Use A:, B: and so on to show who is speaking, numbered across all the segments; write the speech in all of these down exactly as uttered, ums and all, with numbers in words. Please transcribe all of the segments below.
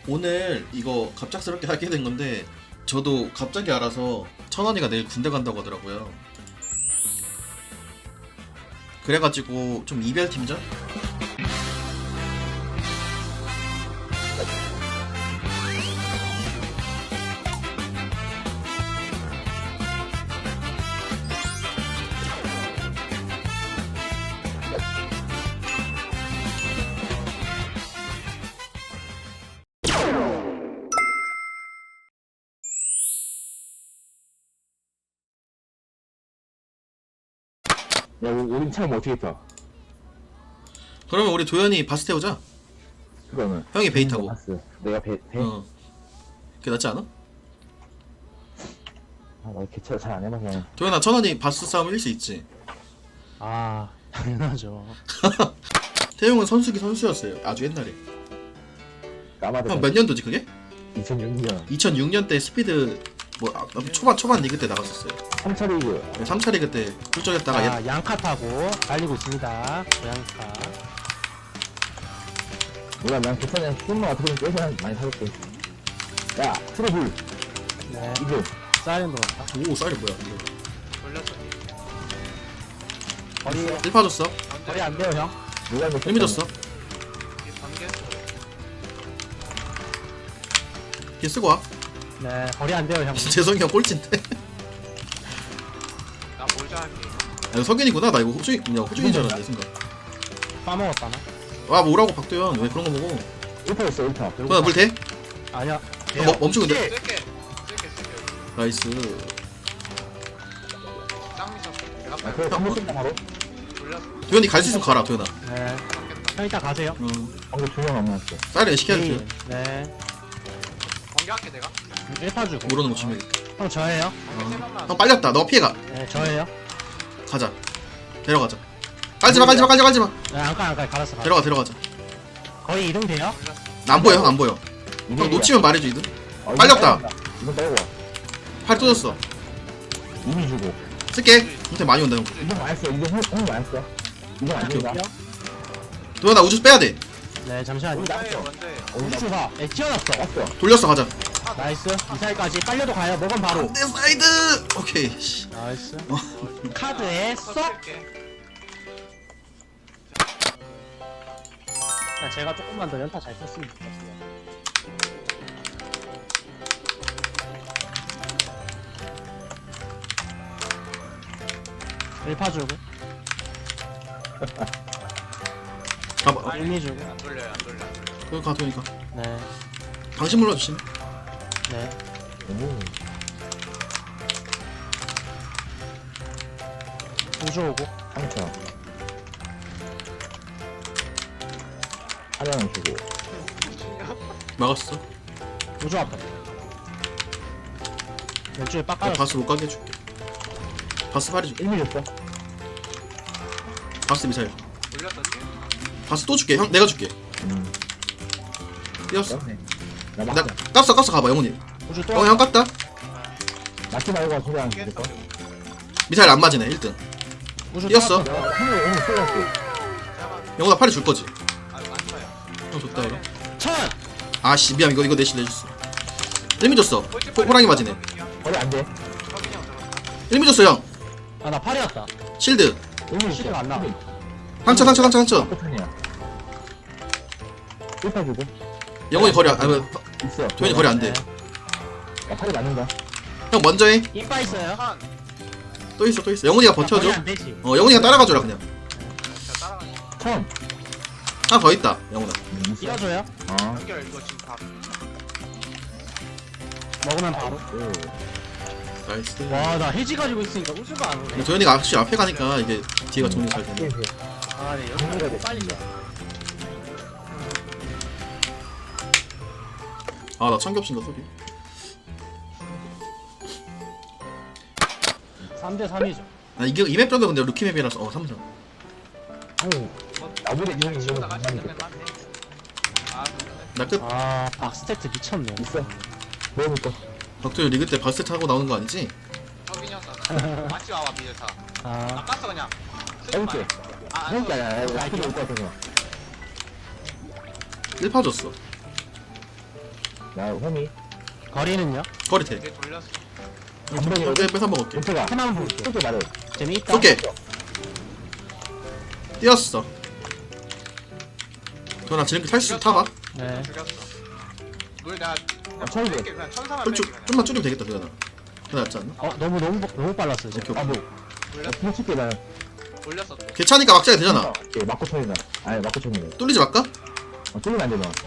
A: 오늘 이거 갑작스럽게 하게 된 건데 저도 갑자기 알아서 천원이가 내일 군대 간다고 하더라고요. 그래가지고 좀 이별팀전?
B: 야, 우리, 우린 차면 어떻게 타?
A: 그러면 우리 도현이 바스 태우자.
B: 그거는.
A: 형이 베이 타고.
B: 봤어. 내가 배, 배?
A: 어. 그게 낫지 않아?
B: 아, 나 개차 잘 안 해봐서.
A: 도현아, 천원이 바스 싸움 이길 수 있지?
C: 아 당연하죠.
A: 태용은 선수기 선수였어요. 아주 옛날에.
B: 까마득.
A: 형 몇 년도지 그게?
B: 이천육 년.
A: 이천육 년 때 스피드 뭐 아, 초반 초반 리그 때 나갔었어요.
B: 삼 차 리그.
A: 삼 차 리그 때 훌쩍했다가
C: 아, 양카 타고 달리고 있습니다. 양카.
B: 몰라, 난 괜찮아. 조금만 어떻게든 깨서 많이 사줄게. 야, 트러블.
C: 네.
B: 이거.
C: 사이렌도 같다.
A: 오 쌀이 뭐야 이거.
C: 거리
A: 일 파 줬어.
C: 거리 안 돼요 형.
B: 누가 이거
A: 의미 줬어. 걔 쓰고 와.
C: 네 거리 안 돼요 형.
A: 재성이 형 꼴찌인데.
D: 나 몰자 할게.
A: 아 이거 석윤이구나. 나 이거 호주인 그냥 호주인 줄 알았네 순간.
C: 빠먹었다나?
A: 와 뭐라고 박도현 왜 그런 거 먹어?
B: 일 파 있어, 일 파.
A: 도현아 물 대?
C: 아니야.
A: 어, 멈- 멈추고 근데
D: 쓸게. 쓸게 쓸게.
A: 나이스.
D: 짱 미쳤어. 내가
B: 아,
D: 빨리
B: 그거 한번 쓴다, 바로.
D: 돌렸어.
A: 도현이 갈 수 있으면 가라 도현아.
C: 네. 형 이따 가세요.
A: 어.
B: 방금 두명 남았어.
A: 쌀이 시켜야 돼.
C: 네.
D: 번개할게 내가.
C: 일 파 주고.
A: 모르는 거 치면.
C: 형 저예요.
D: 번개 세 번만.
A: 형 빨렸다. 너 피해가.
C: 네 저예요.
A: 가자. 데려가자. 깔지마 깔지마 깔지마 깔지마.
C: 네 안가 안가 갈았어. 갈았어.
A: 데려가 데려가자.
C: 거의 이동 돼요?
A: 나 안 보여 형 안 보여. 형 놓치면 말해줘 이들.
B: 어,
A: 빨렸다.
B: 이건 빼고.
A: 팔 터졌어.
B: 이미 주고.
A: 쓸게. 밑에 많이 온다 형.
B: 이건 많이 써. 이건 형, 형 많이 써. 이건 안 된다.
A: 도현아 우주 빼야 돼.
C: 네 잠시만요.
D: 먼저해 먼저해.
C: 우주 가. 네 튀어났어.
B: 왔어.
A: 돌렸어 가자.
C: 나이스. 미사일까지 빨려도 가요. 먹으면 바로.
A: 내 사이드. 오케이. 씨.
C: 나이스. 카드에 쏙.
D: 쓸게.
C: 야, 제가 조금만 더 연타 잘 썼으면 좋겠어요. 일 파 주고,
A: 가봐.
C: 일, 이 주고.
D: 안 돌려요 안 돌려 안 돌려.
A: 그거 가 도현이가.
C: 네,
A: 당신 물러주심.
C: 네.
B: 오.
C: 우주 오고.
B: 삼 차. 하나는 주고.
A: 막았어.
C: 우주 앞에. 왼쪽에 빡
A: 내가
C: 깔았어.
A: 바스 못 가게 해줄게. 바스 팔이 줄게.
B: 일 미 줬어.
A: 바스 미사일.
D: 돌렸었지?
A: 바스 또 줄게. 형 내가 줄게.
B: 음.
A: 뛰었어.
B: 그렇네. 나
A: 나
B: 맞다.
A: 깠어 깠어 가봐 영훈이.
C: 우주 또.
A: 어 형 깠다.
B: 맞지 말고 소리 안
D: 깼어.
B: 들을까?
A: 미사일 안 맞으네 일 등.
C: 우주
A: 뛰었어.
C: 또.
B: 내가 형을 오늘 쏠랐어.
A: 영훈아 팔이 줄 거지.
D: 아 이거 안 쳐요.
A: 형 줬다 그럼.
C: 천.
A: 아씨 미안 이거 이거 내실 내줬어. 일미 줬어. 호, 호랑이 맞이네.
B: 거리 안 돼.
D: 석인이 형 들었다.
A: 일미 줬어 형.
C: 아, 나 팔이었다.
A: 실드.
B: 일 미
C: 시간 안 나.
A: 상처 상처 상처 상처.
B: 패턴이야. 일 파 주고.
A: 영훈이 거리 안. 아니
B: 있어.
A: 도현이 거리 안 돼.
B: 야, 팔이 맞는다.
A: 형 먼저 해.
C: 이빠 있어요.
D: 한.
A: 또 있어 또 있어. 영훈이가
C: 야, 거리
A: 버텨줘.
C: 안 되지.
A: 어 영훈이가 따라가줘라 그냥.
D: 자 따라가니.
B: 천.
A: 하나 더 있다 영훈아.
B: 음, 있어.
C: 뛰어줘요.
B: 어.
D: 연결 이거 지금 다.
C: 먹으면 바로.
B: 오.
A: 나이스.
C: 와, 나 해지 가지고 있으니까 우주가 안 오네.
A: 도현이가 확실히 앞에 가니까 이게 뒤가 정리 잘 되네.
C: 아, 네. 여기 빨리 가.
A: 아 나 참겹신다 소리.
C: 삼 대 삼이죠.
A: 나 이게 이맵 정도 근데 루키 맵이라서 어 삼성.
B: 오. 나보다 이런
D: 잘 치고
B: 이런
D: 나갈 수 있는 건 맞네. 아
A: 나 끝.
C: 아, 박스테트 미쳤네.
B: 있어. 뭐부터?
A: 박도현 리그 때 바스 타고 나오는 거 아니지?
D: 석인이 형 쐈어. 같이 와봐 비제타.
C: 아,
D: 나 깠어 그냥.
B: 해볼게.
D: 아안
B: 해볼게.
D: 써.
B: 야, 야, 야, 필요 없다, 그거.
A: 일 파 줬어.
B: 나 홈이.
C: 거리는요?
A: 거리 돼.
D: 이게 돌렸어.
B: 감독이
A: 내 뺏어 먹을게.
B: 문태가
C: 하나만 볼게.
B: 쏘게 말해.
C: 재미있다.
A: 쏠게. 뛰었어. 도현아 지름길 탈 수 타봐.
C: 네.
D: 죽였어. 물 내가 그냥
B: 천이
D: 뺄게, 그냥 천사만
A: 좀,
D: 뺄게
A: 좀,
D: 그냥.
A: 좀만 줄이면 되겠다 도현아. 그거 낫지 않나?
C: 어 너무 너무 너무 빨랐어 이제.
A: 오케이
B: 아,
A: 오케이.
B: 뭐. 나
D: 돌렸어.
B: 공 칠게, 나.
D: 돌렸어 또.
A: 괜찮으니까 막자게 되잖아.
B: 오케이, 맞고 쳐이나. 아니, 맞고 쳐이네.
A: 뚫리지 말까?
B: 어, 뚫리면 안 돼, 너.
D: 돌렸어.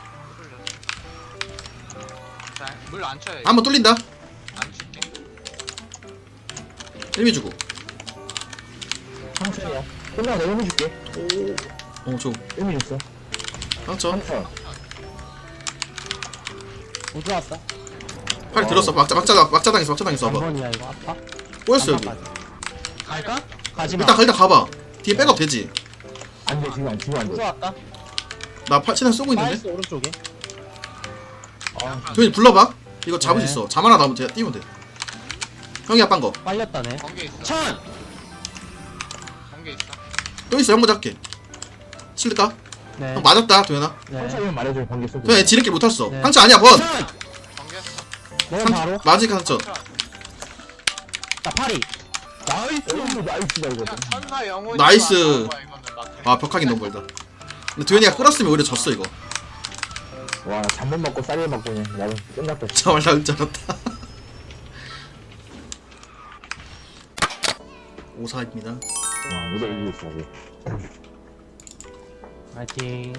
D: 자, 물 안 쳐요.
A: 한번 뚫린다.
D: 안 칠게.
A: 일미 주고.
B: 상처야. 끝나고 내가 힘 줄게.
A: 어 줘.
B: 일미 줬어.
A: 상처.
B: 상처.
C: 우주 왔다.
A: 팔 들었어. 막자 막자 막자 당했어. 막자 당했어.
C: 한
A: 봐봐.
C: 번이야 이거 아파?
A: 꼬였어 여기.
C: 갈까? 가지마.
A: 일단 일단 가봐. 뒤에 백업 되지.
B: 안 돼, 지금 안, 지금 안
C: 우주
B: 돼.
C: 왔다.
A: 나 팔 치는 쏘고 있는데.
C: 나이스 오른쪽에.
B: 아,
A: 도현이 불러봐. 이거 잡을
C: 네.
A: 수 있어. 잠 하나 남으면 돼. 띄우면 돼. 형이 아빠인 거.
C: 빨렸다네.
D: 번개 있어.
C: 천.
D: 번개 있어.
A: 또 있어. 형 먼저 할게. 칠까?
C: 네.
A: 형 맞았다 도현아.
C: 네.
B: 상처면 말해줘, 번개 쏘게.
A: 도현아 지름길 못 탔어.
C: 네.
A: 상처 아니야 번.
C: 천.
D: 번개 했어.
C: 내가
A: 상-
C: 바로.
A: 맞으니까 상처.
C: 나 파리.
B: 나이스, 나이스다, 이거.
D: 그냥 천사 영혼이
A: 나이스.
D: 이거는 막.
A: 아 벽하기 너무 멀다. 근데 도현이가 끌었으면 오히려 졌어 이거.
B: 와, 나 잠못 먹고 쌀을 먹고 그냥 나는 끝났다.
A: 정말 나을 줄 알았다. 오사입니다.
B: 와, 무대 이기고 있어, 아직.
C: 파이팅.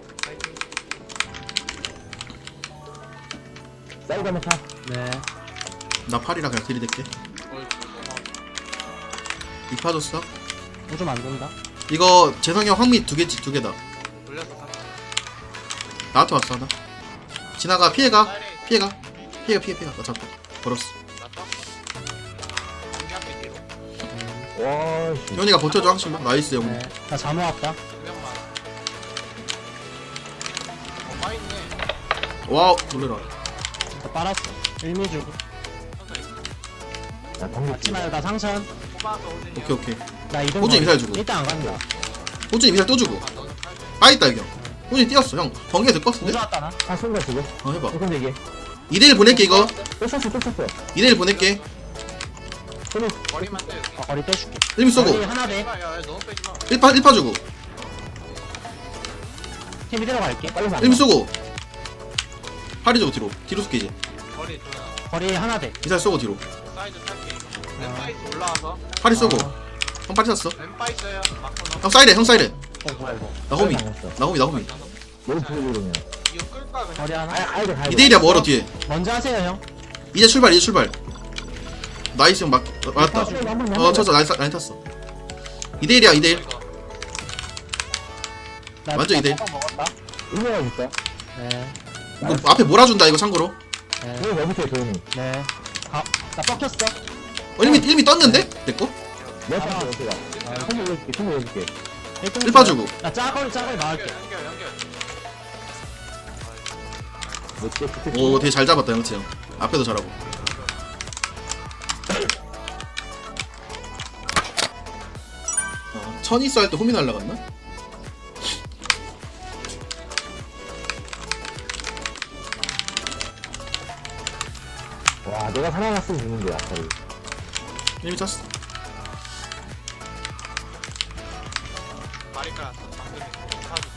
B: 쌀 가면 타.
C: 네.
A: 나 팔이라 그냥 들이댈게.
D: 어이구, 고마워.
A: 이파 줬어.
C: 우주 만든다.
A: 이거 재성이 형 황미 두 개지 두 개다.
D: 돌렸어. 사-
A: 나한테 왔어 하나. 지나가 피해가
D: 쌀이
A: 피해가 피해가 피해 피해가 나 잡고 걸었어.
D: 나 떴어. 번개 앞에 뒤로.
B: 와, 씨.
A: 현이가 버텨줘 항상. 나이스 형.
C: 네. 나 잠호 왔다.
D: 두 명만. 어, 빠 있네.
A: 와우 놀래라.
C: 나 빨았어. 일미 주고.
D: 천사 있어.
B: 나 번개
C: 맞지 말고 나 상천.
D: 뽑아서 오진이.
A: 오케이 오케이.
C: 나 이등.
A: 호준이 미사일 주고.
C: 일단 안 간다.
A: 호준이 미사일 또 주고.
D: 아, 너는 팔 돼.
A: 빠있다 이거. 호준이 뛰었어 형. 번개 될것 같은데?
C: 우주 왔다 나.
B: 다 쏜다, 지금.
A: 어 해봐.
B: 조금 되게.
A: 이 대 일 보낼게 이거.
B: 또 쐈어, 또 쐈어.
A: 이 대 일 보낼게.
B: 손이,
D: 머리만 떼. 여기.
C: 어, 거리 빼줄게.
A: 일미 쏘고.
C: 거리 하나 돼.
D: 야, 야, 너무 빼지 마.
A: 일 파 일 파 주고.
C: 팀 이대로 갈게.
B: 빨리 가.
A: 일미 쏘고. 팔이 주고 뒤로. 뒤로 쏠게 이제.
D: 머리 조나.
C: 거리 하나 돼.
A: 미사일 쏘고 뒤로.
D: 사이드 탈게. 왼바이스 올라와서.
A: 팔이 쏘고.
C: 아.
A: 형 팔이 쐈어.
D: 왼바이스야. 막고
A: 형 사이렌 형 사이렌.
C: 어 뭐야 이거.
A: 나 호미.
B: 당했어.
A: 나 호미 나 호미.
B: 너무 부르고 그러면.
D: 이거 끌까 그냥.
C: 거리 하나.
B: 아야, 가야 돼, 가야 돼.
A: 이 대 일이야 멀어 뒤에.
C: 먼저 하세요 형.
A: 이제 출발 이제 출발. 나이스 형 막. 어, 맞았다.
B: 한 번, 한 번, 한
A: 어
B: 번.
A: 쳤어 라인, 탔- 라인 탔어. 이 대 일이야 이 대 일.
D: 이거.
C: 나
A: 완전 이대 일.
C: 나 먹었다.
B: 일명아 줄까?
C: 네.
A: 이거 앞에 몰아준다 이거 참고로.
C: 네.
B: 도현이 왜부터 해, 도현이.
C: 네. 가. 나 뻑혔어.
A: 어, 일미 일미 떴는데? 내꺼?
B: 내가
C: 아.
B: 탔어, 어떻게 가.
D: 아,
B: 손 올려줄게, 손 올려줄게.
A: 일 파 주고.
C: 나 짜거리 짜거리
D: 연결
C: 막을게.
D: 연결 연결.
B: 몇 개, 두 개.
A: 오 되게 잘 잡았다 형치 형. 앞에도 잘하고. 어, 천이 쌀 때 홈이 날라갔나?
B: 와, 내가 살아났으면 죽는데, 아까.
A: 일미 찼어.
D: 발이 깔았어. 방금 사주.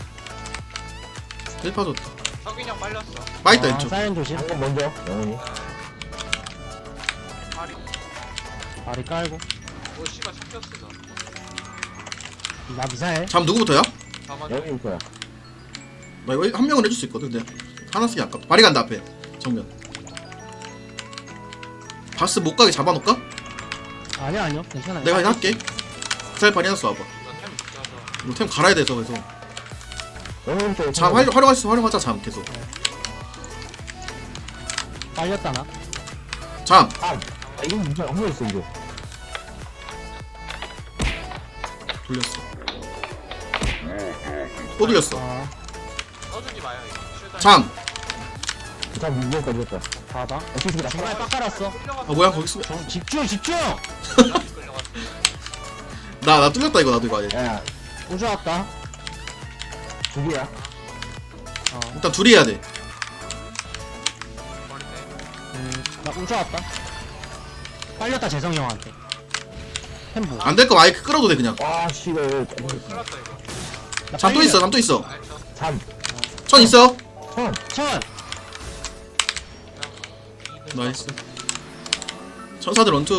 A: 일 파 줬다.
D: 석인이 형 빨렸어.
A: 빠있다
C: 아,
A: 왼쪽.
C: 사이렌 조심.
B: 한번 먼저, 영훈이.
D: 발이.
C: 발이 깔고.
D: 오 씨발 섞였어. 너.
C: 나 미사일.
A: 잠 누구부터야?
D: 저만.
B: 영훈이 거야.
A: 나 이거 한 명은 해줄 수 있거든. 근데 하나 쓰기 아깝다. 발이 간다 앞에. 정면. 바스 못 가게 잡아놓을까?
C: 아니야 아니요 괜찮아요.
A: 내가 그냥 할게. 잘 발이 해놨어 와봐.
D: 너템 붙여서.
A: 이거 템 갈아야 돼서 그래서.
B: 영훈이 쪽.
A: 잠 활, 활용할 수 있으면 활용하자 잠 계속.
C: 빨렸다 나.
A: 잠.
B: 아, 이건 무슨 엉덩이 있어, 이거.
A: 돌렸어. 또 돌렸어.
C: 아
D: 써주지 마요 이거. 쉴드
A: 잠.
B: 잠 무거워까지 했다.
C: 봐봐.
B: 어, 지금 나
C: 중간에 빡 깔았어.
D: 끌려갔어.
A: 아 뭐야 거기 있으면.
C: 좀 집중 집중.
D: 끌려갔어.
A: 나나 뚫렸다 이거 나도 이거 아예.
B: 야,
C: 우주 왔다.
B: 두 개야.
C: 어.
A: 일단 둘이 해야 돼.
C: 훔쳐왔다. 빨렸다 재성이 형한테. 템보.
A: 안 될 거 마이크 끌어도 돼 그냥.
B: 와 씨발
D: 오 큰일났다 이거.
C: 나
A: 잠 또
C: 빨려.
A: 있어 잠 또 있어.
D: 알죠?
B: 잠
A: 천 있어.
B: 천
C: 천.
A: 나이스. 천사들 원투.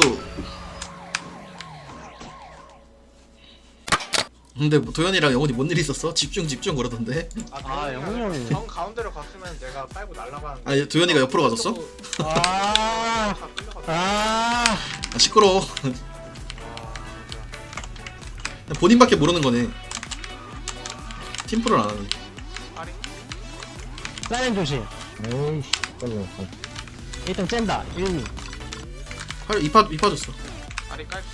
A: 근데 뭐 도현이랑 영훈이 뭔 일 있었어? 집중 집중 그러던데.
C: 아, 영훈이 형이.
D: 정 가운데로 갔으면 내가 빨고 날아가는.
A: 아니 도현이가 옆으로 가졌어?
C: 아. 아.
A: 아 시끄러워. 본인밖에 모르는 거네. 팀프를 안 하네.
D: 아리
C: 사이렌 조심.
B: 에이씨 빨리
C: 일 등 쨘다. 일미.
A: 팔 이파 이파 줬어.
D: 아리 깔게.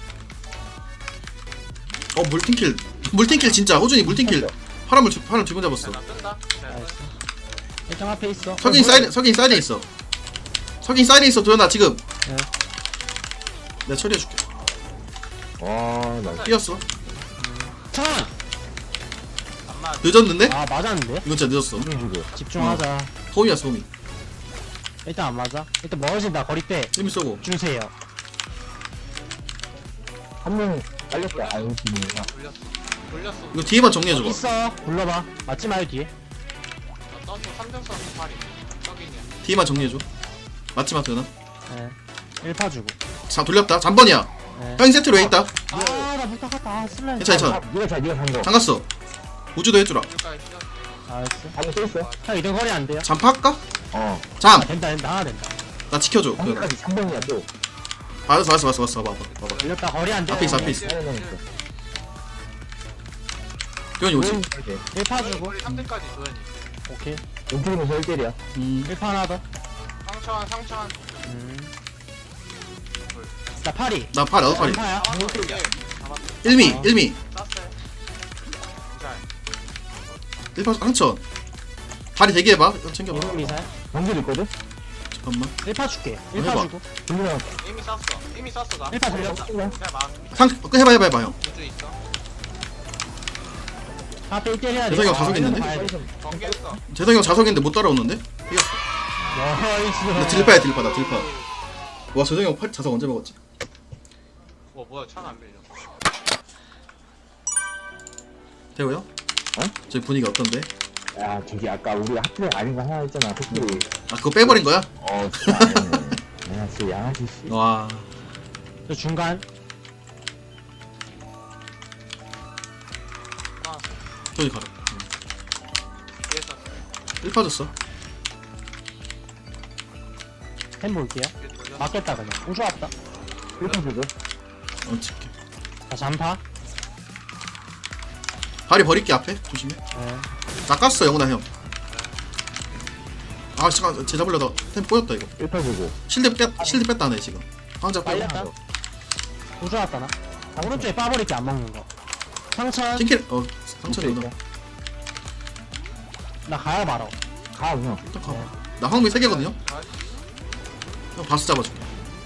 A: 어 물팅킬 물팅킬 진짜 호준이 물팅킬. 파란물 주- 파란 두번 잡았어.
D: 나 뜬다. 잘
C: 나이스.
D: 뜬다.
C: 일 등 앞에 있어.
A: 석인 사이드 석인 사이드에 있어. 석인 사이드에 있어 도현아 지금.
C: 네.
A: 내가 처리해줄게.
B: 와나
A: 뛰었어.
C: 천.
D: 안 맞.
A: 늦었는데?
C: 아 맞았는데?
A: 이건 진짜 늦었어.
B: 주고
C: 집중하자.
A: 호미였어 호미.
C: 일단 안 맞아. 일단 멀어진다. 거리 빼.
A: 힘이 쏘고.
C: 주세요.
B: 한명 빨렸다 아유 지민이가
D: 돌렸어. 돌렸어.
A: 이거 뒤에만 정리해줘봐.
C: 있어. 불러봐. 맞지 마요 뒤에.
D: 나 떠서 삼 등 써서 팔이. 떡이냐.
A: 뒤에만 정리해줘. 맞지 마 도현아.
C: 네. 일 파 주고.
A: 자 돌렸다. 잠번이야.
C: 네.
A: 형이 세트로 왜 있다?
C: 아나 못하겠다. 아 슬라임.
A: 괜찮아 괜찮아.
B: 니가 잘 니가 산거
A: 잠갔어. 우주도 해주라.
D: 여기까지 뛰었어.
C: 나이스.
B: 한명 또 있어
C: 형 이등 거리 안 돼요?
A: 잠파 할까?
B: 어
A: 잠.
C: 아, 된다 된다 하나 된다.
A: 나 지켜줘. 도현아.
B: 한명까지 삼 번이야 또
A: 알았어 알았어 알았어 알았어. 봐봐 봐봐.
C: 걸렸다. 거리 안 돼.
A: 앞에 있어 앞에 있어.
B: 하나 있어
A: 도현이 오지.
C: 일 파 주고.
D: 우리 삼 등까지 도현이.
C: 오케이.
B: 왼쪽이면서 일 대일이야
A: 음.
C: 일 파 하나 더.
D: 상처한 상처한.
C: 음. 나 파리.
A: 나팔 나도 팔이.
C: 파야.
D: 아 이게 잡았어.
A: 일미
C: 어.
A: 일미.
D: 땄어요. 잘.
A: 일파 상천. 다리 대기해봐. 이거 챙겨봐.
C: 이름 미사일.
B: 경기도 있거든?
A: 잠깐만.
C: 일 파 줄게. 일 파
A: 해봐.
C: 주고.
B: 김민아
D: 이미 쐈어. 이미 쐈어 나.
C: 일 파 돌렸다.
D: 그냥 막
A: 상 어, 해봐 해봐 해봐 형.
D: 우주 있어.
C: 앞에 일 때려야 돼.
A: 재성이 형
C: 아,
A: 가속 있는데?
C: 봐야 돼.
D: 경계했어.
A: 재성이 형 자석인데 못 따라오는데? 이겼어.
C: 나이스.
A: 근데 딜파야 딜파 나 딜파. 와 재성이 형 팔, 자석 언제 먹었지?
D: 와 뭐야 차안 밀려.
A: 태호 형?
B: 어?
A: 저기 분위기 어떤데?
B: 야 저기 아까 우리 하트랙 아닌 거 하나 있잖아 특별히
A: 아 그거 빼버린 거야?
B: 어 진짜 아니네 야 진짜 양아치 씨
A: 와.
C: 저 중간.
D: 아
A: 저기 가라.
D: 뒤에 쐈어.
A: 일파 줬어.
C: 템 볼게요.
D: 뒤에 돌려.
C: 맞겠다 그냥. 우주 왔다.
B: 일단 주고
A: 어 칠게.
C: 자 잠파.
A: 다리 버릴게 앞에 조심해.
C: 네.
A: 낚았어 영훈아 형. 아 잠깐 제 잡으려다 템 꼬였다 이거.
B: 일단 주고
A: 실드 뺐 실드 뺐다네 지금. 황자 빼고.
C: 빨렸다. 우주 왔다 나. 오른쪽에 빠버릴게 안 먹는 거. 상천.
A: 팅킬 어 상처리 누나.
C: 나 가야 말어.
B: 가 그냥
A: 일단 가. 나 황미 세 개거든요. 형 바스 잡아줄게.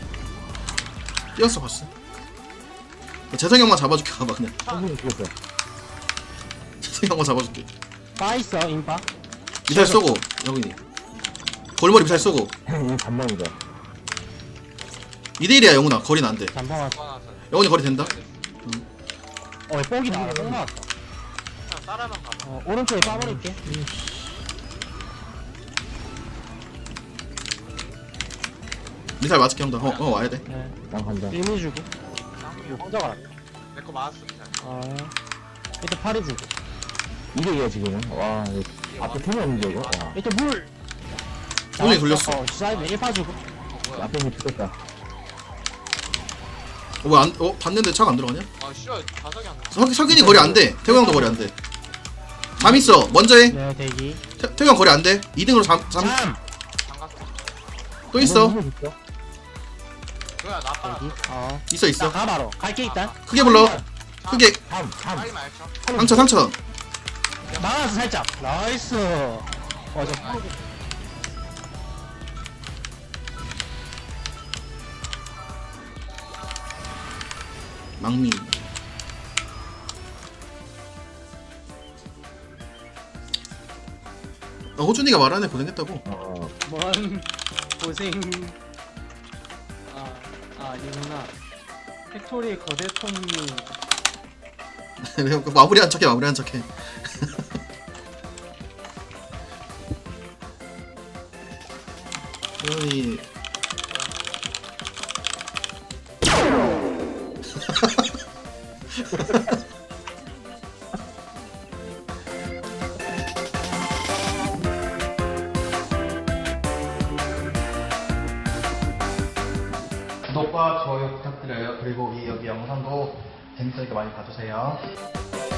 A: 뛰었어 바스. 나 재성이 형만 잡아줄게 가봐 그냥.
B: 한분이 죽었어
A: 재성이 형만 잡아줄게.
C: 빠 있어 인파.
A: 미사일 쏘고 영훈이. 골머리 미사일 쏘고.
B: 이 반망이다
A: 이 대 일이야 영훈아 거리는 안 돼.
C: 잠파 왔어.
D: 나서.
A: 영훈이 거리 된다.
C: 어 뽕이 나와. 뽕 나왔다.
D: 그냥 따라만 가봐.
C: 어 오른쪽에 빠버릴게.
A: 미사일 맞을게 형도. 어, 어 와야 돼.
C: 네.
B: 난 간다
C: 일미 주고.
D: 쌍미.
C: 혼자 가라.
D: 내거 맞았어 그냥.
C: 어. 일단 파리 주고.
B: 이게 이야 지금은 와 이거 앞에 템이 없는데 이거 와
C: 일단 물.
A: 손이 돌렸어.
C: 어 사이드 일 파 주고.
D: 어 뭐야?
B: 앞에 있는 죽었다
A: 어, 뭐 안, 어 봤는데 차가 안 들어가냐?
D: 아 씨발 자석이 안 나.
A: 석, 석인이 거리 안 돼. 태호 형도 거리 안 돼. 잠 있어. 먼저 해.
C: 네 대기.
A: 태, 태호 형 거리 안 돼. 이 등으로 잠, 잠,
C: 잠.
D: 장갑.
A: 또 있어.
B: 있어
D: 뭐야 나 빨아.
C: 대기. 어.
A: 있어, 있어.
C: 나 가 바로. 갈게 일단.
A: 크게 불러. 크게.
B: 잠잠
D: 빨리 말쳐.
A: 상처, 상처.
C: 막아서 살짝. 나이스. 어저
A: 망미. 아, 호준이가 말하네 고생했다고.
B: 어
C: 뭔 고생. 아니구나. 팩토리 거대총이
A: 왜 마무리한 척해 마무리한 척해. 이 구독과 좋아요 부탁드려요. 그리고 이 여기 영상도 재밌으니까 많이 봐주세요.